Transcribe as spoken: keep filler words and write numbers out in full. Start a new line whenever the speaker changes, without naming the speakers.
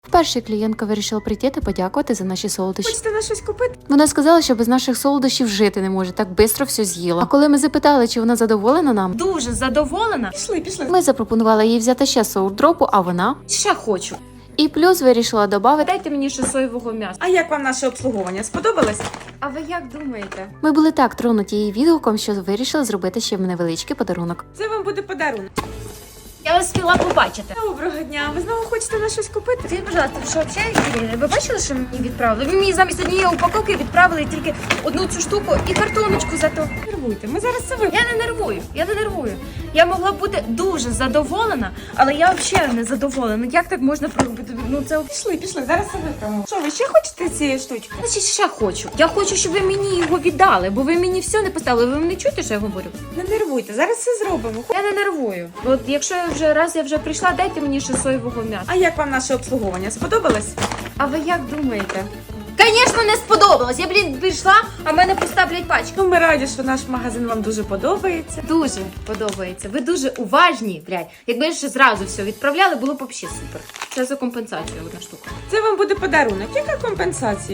Вперше клієнтка вирішила прийти та подякувати за наші солодощі.
Хочете на щось купити?
Вона сказала, що без наших солодощів жити не може, так швидко все з'їла. А коли ми запитали, чи вона задоволена нам,
Дуже задоволена. Пішли, пішли.
ми запропонували їй взяти ще соурдропу, а вона
Ще хочу.
і плюс вирішила додати.
Дайте мені ще соєвого м'яса.
А як вам наше обслуговування? Сподобалось?
А ви як думаєте?
Ми були так тронуті її відгуком, що вирішили зробити ще невеличкий подарунок.
Це вам буде подарунок.
Я вас хотіла побачити.
Доброго дня. Ви знову хочете на щось купити?
Скажіть, будь ласка, ви що взагалі? Ви бачили, що мені відправили? Ви мені замість однієї упаковки відправили тільки одну цю штуку і картоночку зато.
Нервуйте, ми зараз це вип'ємо.
Я не нервую, я не нервую. Я могла б бути дуже задоволена, але я взагалі не задоволена. Як так можна проробити? Ну це
Пішли, пішли, зараз це вип'ємо. Що, ви ще хочете цієї штучки?
значить ще хочу. Я хочу, щоб ви мені його віддали, бо ви мені все не поставили. Ви мене чуєте, що я говорю?
Не нервуйте, зараз це зробимо.
Я не нервую. От якщо я вже раз я вже прийшла, дайте мені ще соєвого м'яса.
А як вам наше обслуговування? Сподобалось?
А ви як думаєте? Звісно, не сподобалось. Я, блін, прийшла, а мене поставлять пачку.
Ну, ми раді, що наш магазин вам дуже подобається.
Дуже подобається. Ви дуже уважні, блядь. Якби ще зразу все відправляли, було б взагалі супер. Це за компенсацію одна штука.
Це вам буде подарунок. Яка компенсація?